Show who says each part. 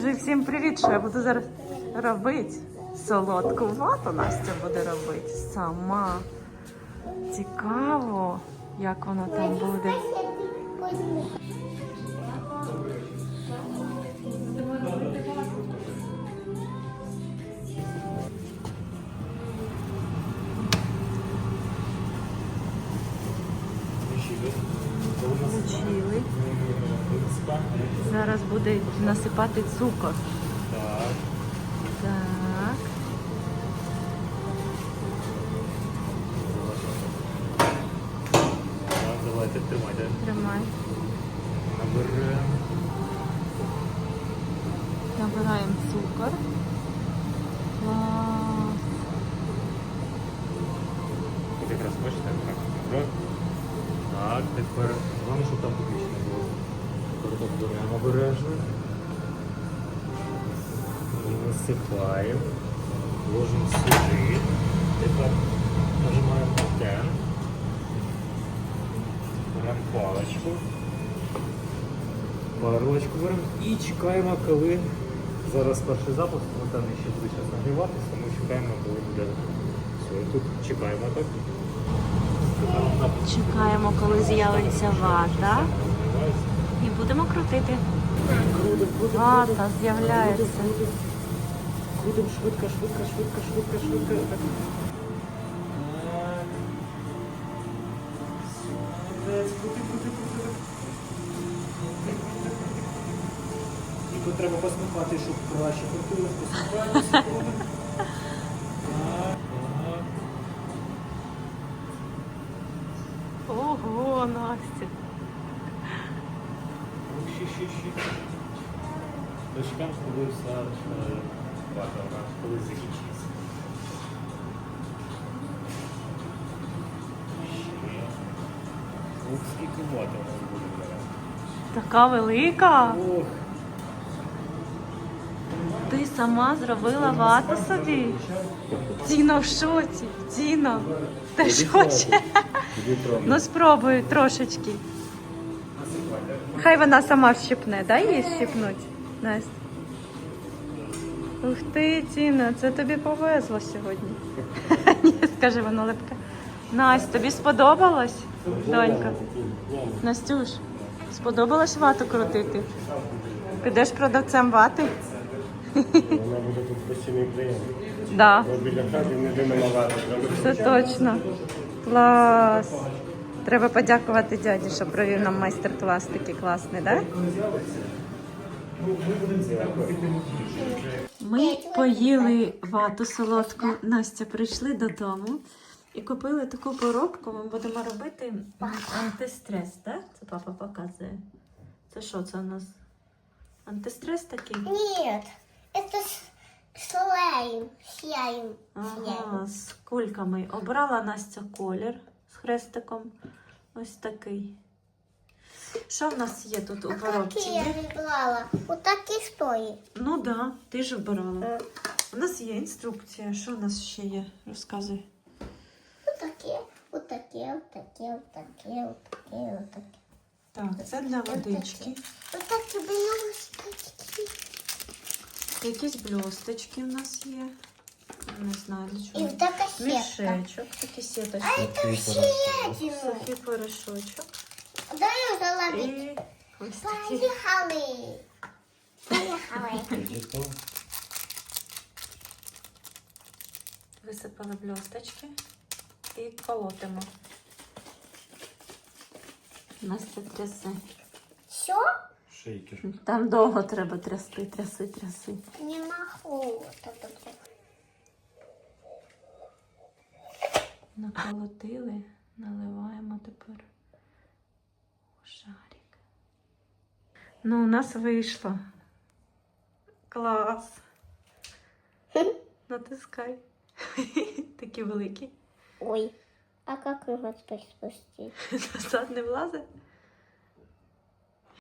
Speaker 1: Всім привіт! Що я буду зараз робити? Солодку вату Настя буде робити сама. Цікаво, як воно там буде. Включили. Зараз буде насипати цукор. Так. Так.
Speaker 2: Так, давайте тримайте.
Speaker 1: Тримай.
Speaker 2: Набираємо.
Speaker 1: Набираємо цукор. Клас.
Speaker 2: От якраз бачите, так. Набрав. Так, тепер головне, щоб там поки не було. Тепер беремо обережно. І насипаємо. Ложимо сюди. Тепер нажимаємо на тен. Беремо паличку. Парлочку беремо і чекаємо, коли зараз перший запуск, там ще буде час нагріватися, ми чекаємо, коли буде все. І тут чекаємо так.
Speaker 1: Чекаємо, коли з'явиться вата. І будемо крутити. Вата з'являється.
Speaker 2: Крутимо швидко. Так. Крути. І тут треба посмикати, щоб краще крутилось, посмикаємо.
Speaker 1: Ого, Настя.
Speaker 2: Ще. Дочекаємо, коли вся вата, вона коли закінчиться. Ще. Ох, скільки вата у нас буде зараз.
Speaker 1: Така велика.
Speaker 2: Ох.
Speaker 1: Ти сама зробила вату собі? Тіна в шоці. Тіна, ти ж хоче? Ну спробуй трошечки. Хай вона сама вщипне, дай їй щипнуть, Настя. Ух ти, Тіна, це тобі повезло сьогодні. Ні, скажи, вона липка. Настя, тобі сподобалось, донька? Настюш, сподобалось вату крутити? Підеш продавцем вати?
Speaker 2: Вона буде тут постійний клієнт.
Speaker 1: Да.
Speaker 2: Бо біля хати не вимивати.
Speaker 1: Це точно. Клас. Треба подякувати дяді, що провів нам майстер-клас такий класний, так? Ми поїли вату солодку. Настя, прийшли додому і купили таку коробку. Ми будемо робити антистрес, так? Це папа показує. Це що це у нас? Антистрес такий?
Speaker 3: Нет, это слайм.
Speaker 1: Ага, з кульками. Обрала Настя колір з хрестиком. Ось такий. Що в нас є тут у коробці?
Speaker 3: Какие я выбрала? Вот такие стоит.
Speaker 1: Ну так, да, ти ж обирала. У нас є інструкція. Що в нас ще є? Розказуй.
Speaker 3: Вот такие.
Speaker 1: Так, це для водички.
Speaker 3: Вот такие блюсточки.
Speaker 1: Якісь блісточки в нас є. Не знаю для
Speaker 3: И
Speaker 1: чого.
Speaker 3: вот такая сетка.
Speaker 1: Мішечок, такі
Speaker 3: А
Speaker 1: сіточки.
Speaker 3: это съедено.
Speaker 1: Сухий порошочок.
Speaker 3: Дай ее заловить.
Speaker 1: І ось такі.
Speaker 3: Поехали.
Speaker 1: Висипали блісточки і колотимо. Настя трясе.
Speaker 3: Все?
Speaker 2: Шейкер.
Speaker 1: Там довго треба трясти.
Speaker 3: Не могу.
Speaker 1: Наколотили, наливаємо тепер у шарик. Ну, у нас вийшло. Клас. Натискай. Такі великі.
Speaker 3: Ой, а как его теперь спустить?
Speaker 1: Назад не влазить?